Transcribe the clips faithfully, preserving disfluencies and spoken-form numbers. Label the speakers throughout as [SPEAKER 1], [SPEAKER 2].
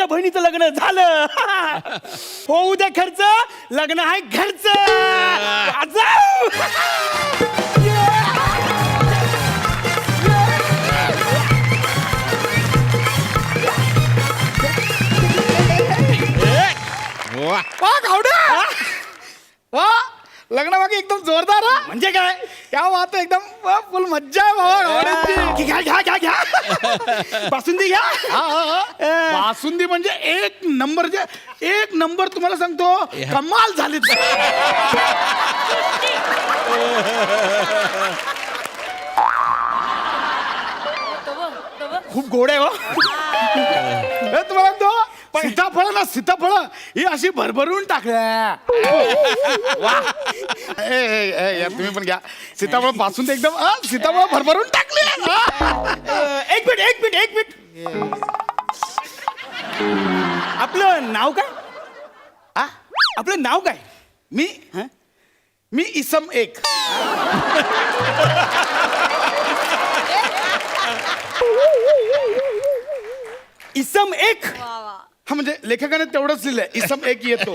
[SPEAKER 1] बहिणीचं लग्न झालं. होऊ द्या खर्च, लग्न आहे घरचं. वाजव.
[SPEAKER 2] वा गावड्या वा लग्न बाकी एकदम जोरदार हा.
[SPEAKER 1] म्हणजे काय?
[SPEAKER 2] क्या बात आहे, एकदम वा, फुल मज्जा आहे बाबा गावड्याची.
[SPEAKER 1] घ्या घ्या घ्या घ्या बासुंदी घ्या.
[SPEAKER 2] हा, हा, हा. बासुंदी म्हणजे एक नंबर, जे एक नंबर तुम्हाला सांगतो, कमाल झाली.
[SPEAKER 1] खूप गोड आहे हो.
[SPEAKER 2] हे तुम्हाला सांगतो, सीताफळ ना सीताफळ ही अशी भरभरून टाकल्या. वा ए, ए, ए, यार तुम्ही पण घ्या सीताफळ पासून एकदम हा, सीताफळ भरभरून टाकली.
[SPEAKER 1] अ, एक मिनिट एक मिनिट एक मिनिट आपलं नाव काय?
[SPEAKER 2] हा?
[SPEAKER 1] आपलं नाव काय?
[SPEAKER 2] मी
[SPEAKER 1] हं?
[SPEAKER 2] मी इसम एक.
[SPEAKER 1] इसम एक.
[SPEAKER 2] हा म्हणजे लेखकाने तेवढंच लिहिलंय, इसम एक येतो.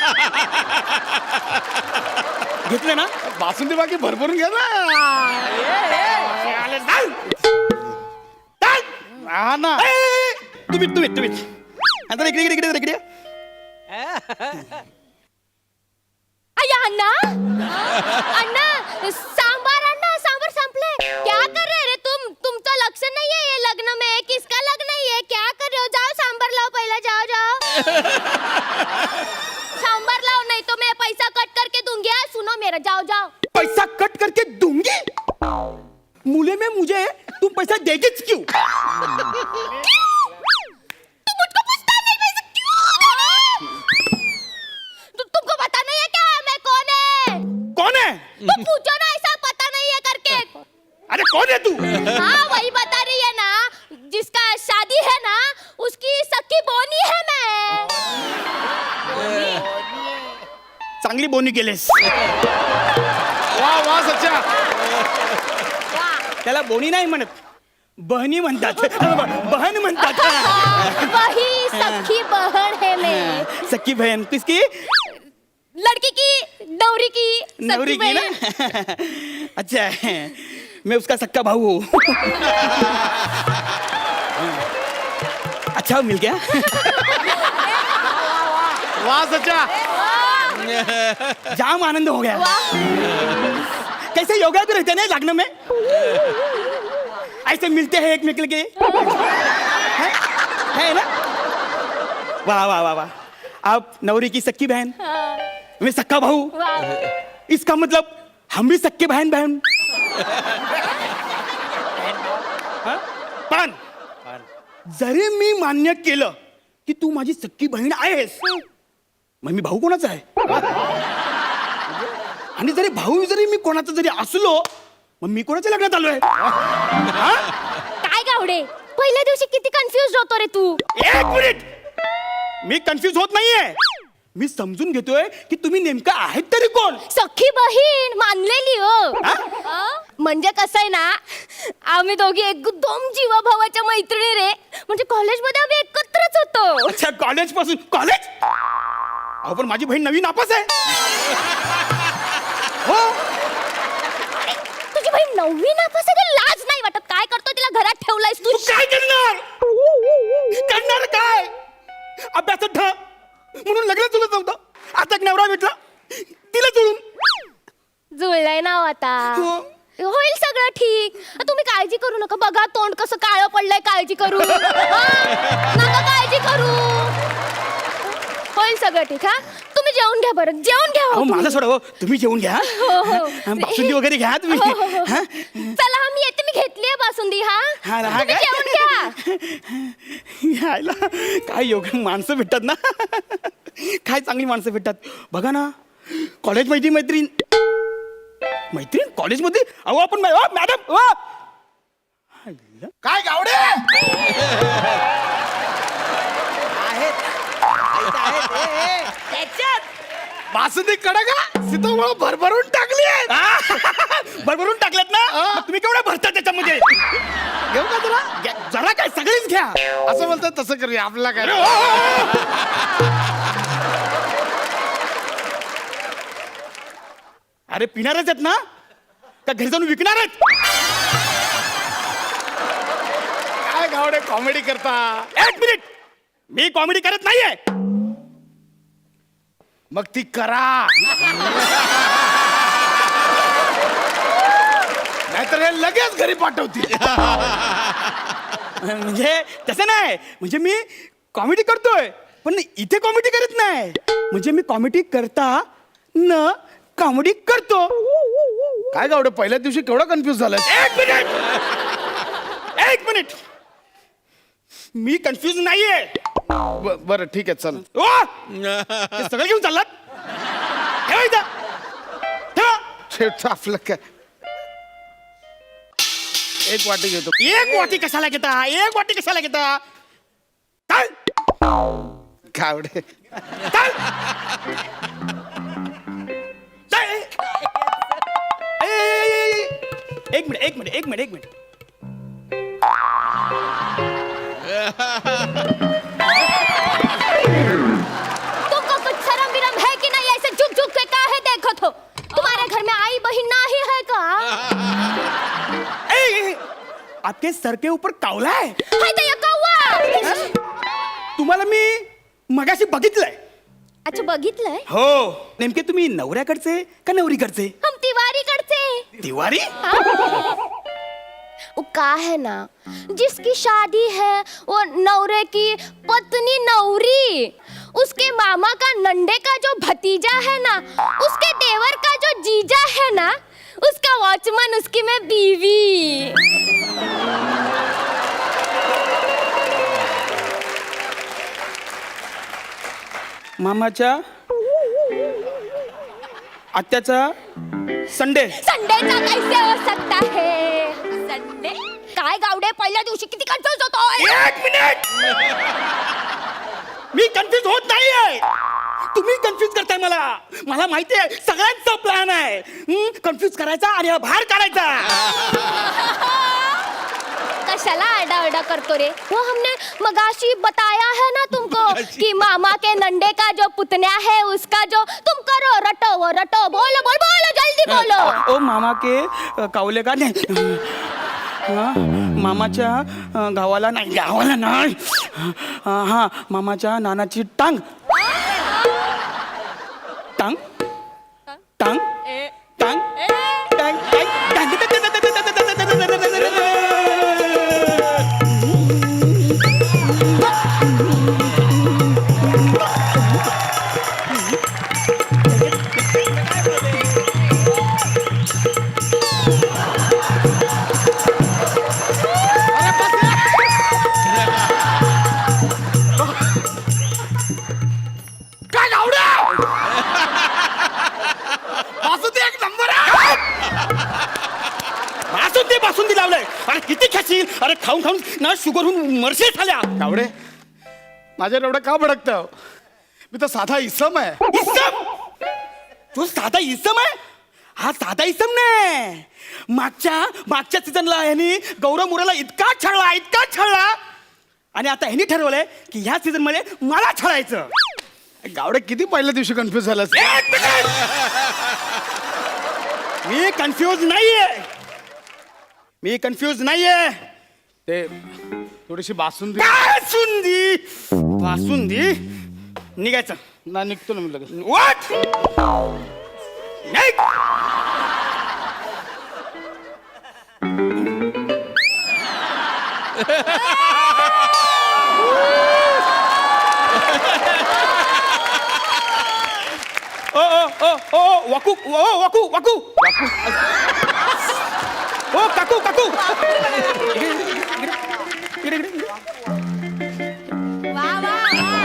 [SPEAKER 1] घेतलं ना?
[SPEAKER 2] बासुंदी बाकी भरभरून घ्या ना. हा ना.
[SPEAKER 1] ए, ए, ए, तुम्ही तुम्ही तुम्ही आता इकडे इकडे इकडे इकडे.
[SPEAKER 3] अय्या अण्णा अण्णा सांबार अण्णा सांबार संपले. क्या कर रहे रे तुम? तुमचं लक्ष नाहीये ये लग्न में. किसका लग्न है? क्या कर रहे हो? जाओ सांबार लाओ पहले. जाओ जाओ सांबार लाओ, नहीं तो मैं पैसा कट करके दूंगी. हाँ, सुनो मेरा. जाओ जाओ.
[SPEAKER 1] पैसा कट करके दूंगी? मूल्य में मुझे तुम पैसा देगीच क्यों?
[SPEAKER 3] तुम मुझको पूछता नहीं पैसा क्यों? तु, तुमको पता नहीं है क्या मैं कौन है?
[SPEAKER 1] कौन है?
[SPEAKER 3] तो पूछो ना, ऐसा पता नहीं है करके.
[SPEAKER 1] अरे कौन है तू?
[SPEAKER 3] हाँ वही बता रही है ना, जिसका शादी है ना उसकी सखी बोनी है मैं.
[SPEAKER 1] चांगली बोनी केलेस.
[SPEAKER 2] वा वा सच्चा.
[SPEAKER 1] त्याला बोनी नाही म्हणत, बहनी म्हणतात. बहन म्हणतात.
[SPEAKER 3] वही सखी बहन है मैं.
[SPEAKER 1] सख्खी बहन किसकी?
[SPEAKER 3] लड़की की, नवरी की, सखी
[SPEAKER 1] नवरी की
[SPEAKER 3] बहन.
[SPEAKER 1] ना? अच्छा है. मैं उसका सक्का भाऊ हूँ. अच्छा मिल गया.
[SPEAKER 2] वा सच्चा.
[SPEAKER 1] जाम आनंद हो गया. कैसे योगा भी रहते हैं ना लग्न में, ऐसे मिलते हैं एक निकल के. है? है ना? वाह वाह वाह वाह. आप नवरी की सख्की बहन, मैं सक्का भाऊ.
[SPEAKER 3] वाह.
[SPEAKER 1] इसका मतलब हम भी सक्के बहन बहन. हाँ? पण जरी मी मान्य केलं की तू माझी सख्खी बहीण आहेस, मग मी भाऊ कोणाचा आहे? आणि जरी भाऊ जरी मी कोणाचा जरी असलो, मग मी कोणाच्या लग्नात आलोय?
[SPEAKER 3] काय गावडे, पहिल्या दिवशी किती कन्फ्युज होतो रे तू.
[SPEAKER 1] एक मिनिट, मी कन्फ्युज होत नाहीये. मी समजून घेतोय की तुम्ही नेमकं आहेत तरी कोण.
[SPEAKER 3] सखी बहीण मानलेली हो.
[SPEAKER 1] हा?
[SPEAKER 3] अ? म्हणजे कसं आहे ना, आम्ही दोघी एकदम जीवाभावाच्या मैत्रिणी रे. म्हणजे कॉलेजमध्ये आम्ही एकत्रच होतो.
[SPEAKER 1] अच्छा, कॉलेज पासून. कॉलेज? अहो पण माझी बहीण नवीन नापास आहे. हो.
[SPEAKER 3] तुझी बहीण नववी नापास आहे, लाज नाही वाटत? काय करतो तिला घरात ठेवलायस तू?
[SPEAKER 1] तू काय करणार? करणार काय? अभ्यासात ठ म्हणून लग्न तुला नव्हतं. आता एक नवरा भेटला, तिला जुळून.
[SPEAKER 3] जुळलंय ना आता.
[SPEAKER 1] हो.
[SPEAKER 3] होईल सगळं ठीक. तुम्ही काळजी करू नका. बघा तोंड कसं काळं पडलंय. काळजी करू हा? नका काळजी करू. होईल सगळं ठीक. हा, तुम्ही जेवून घ्या बरं. जेवून घ्या.
[SPEAKER 1] अहो माझं सोडा हो, तुम्ही जेवून घ्या.
[SPEAKER 3] हो हो.
[SPEAKER 1] बासुंदी वगैरे घ्या तुम्ही.
[SPEAKER 3] हो, हो, हो.
[SPEAKER 1] हा?
[SPEAKER 3] चला हा, मी येते. मी घेतली आहे बासुंदी. हा,
[SPEAKER 1] हा ना, हा
[SPEAKER 3] तुम्ही
[SPEAKER 1] काय?
[SPEAKER 3] जेवून घ्या.
[SPEAKER 1] यायला काय योग माणसं भेटतात ना. काय चांगली माणसं भेटतात. बघा ना, कॉलेज मैत्री मैत्रीण मैत्रीण कॉलेजमध्ये. अहो आपण मै- अहो, मॅडम अहो.
[SPEAKER 2] काय गावडे.
[SPEAKER 4] त्याच्यात
[SPEAKER 2] बासुंदी कडक का सीताफळ भरभरून टाकली आहे.
[SPEAKER 1] भरभरून टाकल्यात ना मग तुम्ही केवढ्या भरता त्याच्यामध्ये
[SPEAKER 2] घेऊ का तुला
[SPEAKER 1] घ्या, जरा काय सगळीच घ्या.
[SPEAKER 2] असं म्हणतात तसं करूया आपला काय
[SPEAKER 1] अरे, ओ, ओ, ओ. अरे पिणारच आहेत ना का घरी जाऊन विकणार आहेत?
[SPEAKER 2] काय गावडे कॉमेडी करता.
[SPEAKER 1] एक मिनिट, मी कॉमेडी करत नाहीये.
[SPEAKER 2] मग ती करा नाहीतर हे लगेच घरी पाठवतील.
[SPEAKER 1] म्हणजे तसं नाही, म्हणजे मी कॉमेडी करतोय पण इथे कॉमेडी करत नाही. म्हणजे मी कॉमेडी करता न कॉमेडी करतो.
[SPEAKER 2] काय गावडे पहिल्या दिवशी केवढं कन्फ्युज झालं.
[SPEAKER 1] एक मिनिट, एक मिनिट, मी कन्फ्युज नाहीये.
[SPEAKER 2] ब- बरं ठीक आहे चल.
[SPEAKER 1] ओ हे सगळं घेऊन चाललात. ठेवा इथं, ठेवा.
[SPEAKER 2] शेवटचं आपलं काय एक वाटी घेतो.
[SPEAKER 1] एक वाटी कशाला घेता, एक वाटी कशाला घेता. चल
[SPEAKER 2] गावडे
[SPEAKER 1] चल चल. ए, ए, ए, ए. एक मिनिट एक मिनिट एक मिनिट एक मिनिट
[SPEAKER 3] तुमको कुछ शर्म विरम है कि नहीं? ऐसे झुक झुक के काहे देखो तो? तुम्हारे घर में आई बहन नहीं है का?
[SPEAKER 1] ए, ए, ए. आपके सर के ऊपर कावला है.
[SPEAKER 3] हाय तो ये कौवा.
[SPEAKER 1] तुम्हाला मी मगाशी बघितलंय.
[SPEAKER 3] अच्छा बघितलंय.
[SPEAKER 1] हो, नेमके तुम्ही नवऱ्याकडचे का नवरीकडचे?
[SPEAKER 3] हम तिवारी करते.
[SPEAKER 1] तिवारी.
[SPEAKER 3] वो का है ना, जिसकी शादी है वो नवरे की पत्नी नवरी, उसके मामा का नंडे का जो भतीजा है ना, उसके देवर का जो जीजा है ना, उसका वॉचमैन, उसकी मैं बीवी.
[SPEAKER 1] मामाच्या आत्याचा संडे.
[SPEAKER 3] संडेचा कैसे हो सकता है? संडे काय गावडे पहिल्या दिवशी किती कन्फ्युज होतोय.
[SPEAKER 1] एक मिनिट, मी कन्फ्युज होत नाहीये. तुम्ही कन्फ्युज करताय मला. मला माहिती आहे सगळ्यांचा प्लॅन आहे. कन्फ्युज करायचा आणि हा बाहेर काढायचा.
[SPEAKER 3] कशाला आडा आडा करतो रे? वो हमने मगाशी बताया है ना तुमको कि मामा के नंडे का जो पुतन्या है उसका जो तुम करो रटो वो रटो. बोलो बोल बोलो जल्दी बोलो.
[SPEAKER 1] ओ मामा के अ, कावले का नाही. हा, मामाच्या अ, गावाला नाही, गावाला नाही. अ, हा मामाच्या नानाची टांग टांग टांग टांग टांग
[SPEAKER 2] काय गावडे बासुंदी एक नंबर आहे.
[SPEAKER 1] बासुंदी बासुंदी लावलंय. अरे किती खाशील. अरे खाऊन खाऊन ना शुगर होऊन मरशे झाल्या.
[SPEAKER 2] गावडे माझ्या एवढं का भडकतं. मी तर साधा इसम आहे.
[SPEAKER 1] इसम, तो साधा इसम आहे. हा साधा इसम नाही. मागच्या मागच्या सीझनला ह्यानी गौरव मुराला इतका छळला इतका छळला आणि आता ह्यानी ठरवलंय की ह्या सीझन मध्ये मला छळायचं.
[SPEAKER 2] गावडे किती पहिल्या दिवशी कन्फ्युज झालं.
[SPEAKER 1] एक मिनिट, मी कन्फ्यूज नाहीये. मी कन्फ्यूज नाहीये.
[SPEAKER 2] ते थोडीशी बासुंदी
[SPEAKER 1] बासुंदी बासुंदी निघायचं.
[SPEAKER 2] ना निघतो ना मी लगेच.
[SPEAKER 1] What? निघ. ओ ओ ओ ओ वाकू ओ वाकू वाकू वाकू ओ काकू काकू इकडे, इकडे, इकडे.
[SPEAKER 3] वा वा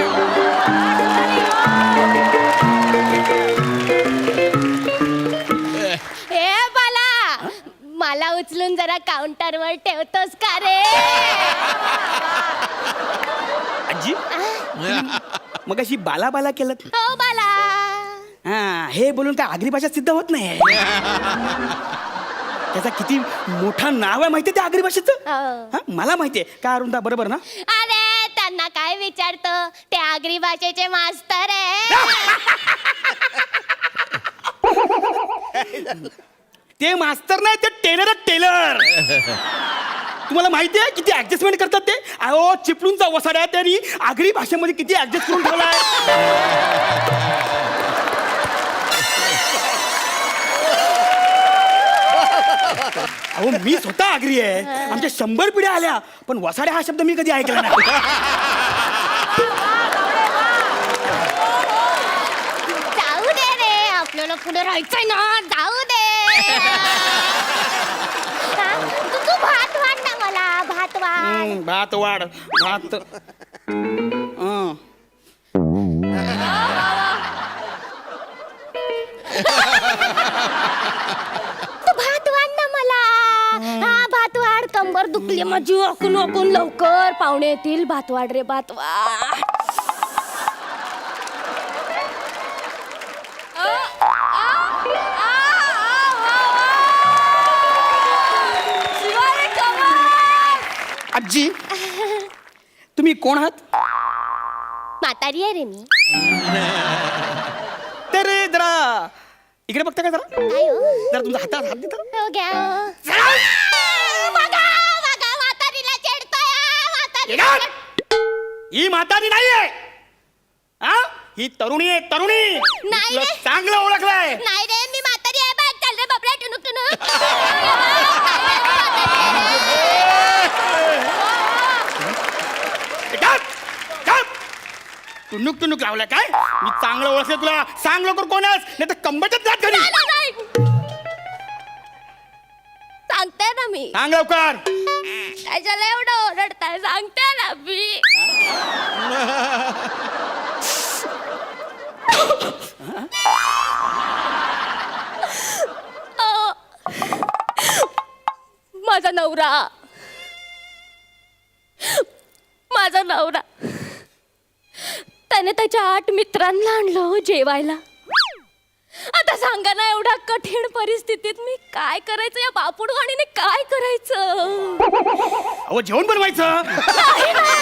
[SPEAKER 3] हे बाला, मला उचलून जरा काउंटरवर ठेवतोस का रे?
[SPEAKER 1] आजी मग अशी बाला बाला केलं.
[SPEAKER 3] हो बाला.
[SPEAKER 1] हा हे बोलून काय आगरी भाषा सिद्ध होत नाही. त्याचा किती मोठा नाव आहे माहितीये त्या आगरी भाषेचं
[SPEAKER 3] हो.
[SPEAKER 1] हा, मला माहितीये का अरुंदा बरोबर ना
[SPEAKER 3] अरे त्यांना काय विचारतो ते आगरी भाषेचे मास्तर आहे.
[SPEAKER 1] ते मास्तर नाही ते टेलर टेलर तुम्हाला माहिती आहे किती ऍडजस्टमेंट करतात ते अहो चिपळूणचा वसाड्या त्यांनी आगरी भाषेमध्ये किती ऍडजस्ट करून ठेवलाय. अहो मी स्वतः आगरी आहे आमच्या शंभर पिढ्या आल्या पण वसाड्या हा शब्द मी कधी ऐकला नाही.
[SPEAKER 3] जाऊ दे रे आपल्याला पुढे राहायचंय ना जाऊ दे. हा? तू तू भात वाढ ना मला भात वाढ.
[SPEAKER 1] हम्म, भात वाढ भात हं.
[SPEAKER 3] तू भात वाढ ना मला. हा भात वाढ कंबर दुखली माझी ओकून ओकून लवकर पाहुणे येतील भात वाढ रे भात वाढ.
[SPEAKER 1] आजी तुम्ही कोण आहात
[SPEAKER 3] म्हातारी आहे रे मी.
[SPEAKER 1] तर जरा इकडे बघता का जरा
[SPEAKER 3] काय हो?
[SPEAKER 1] जरा तुमचा हातात हात देता
[SPEAKER 3] हो घ्या. बघा बघा म्हातारीला चिडतोय म्हातारीला.
[SPEAKER 1] ही म्हातारी नाहीये हा ही तरुणी आहे तरुणी
[SPEAKER 3] नाही
[SPEAKER 1] तुला
[SPEAKER 3] रे.
[SPEAKER 1] चांगलं ओळखलंय.
[SPEAKER 3] नाही रे मी म्हातारी आहे बघ चल रे बाबड्या टुनुक टुनुक.
[SPEAKER 1] गप, गप. टुनुक टुनुक लावलाय काय मी चांगलं ओळखलं तुला सांग लवकर कोण आहेस नाही तर कंबरच जात घरी.
[SPEAKER 3] नाही, नाही, नाही. सांगते ना मी
[SPEAKER 1] सांग लवकर.
[SPEAKER 3] त्याच्याला एवढं ओरडताय सांगते ना मी. अ, माझा नवरा माझा नवरा त्याने त्याच्या आठ मित्रांना आणलं हो जेवायला. आता सांगा ना एवढ्या कठीण परिस्थितीत मी काय करायचं या बापुडवाणीने काय करायचं.
[SPEAKER 1] अहो जेवण बनवायचं.
[SPEAKER 3] नाही ना.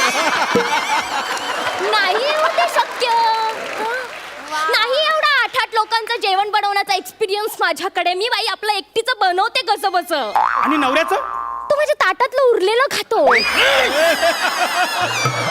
[SPEAKER 3] नाही होते शक्य. नाही एवढा आठ आठ लोकांचं जेवण बनवण्याचा एक्सपिरियन्स माझ्याकडे. मी बाई आपलं एकटीचं बनवते कसं बस.
[SPEAKER 1] आणि नवऱ्याचं
[SPEAKER 3] तो माझ्या ताटातलं उरलेलं खातो.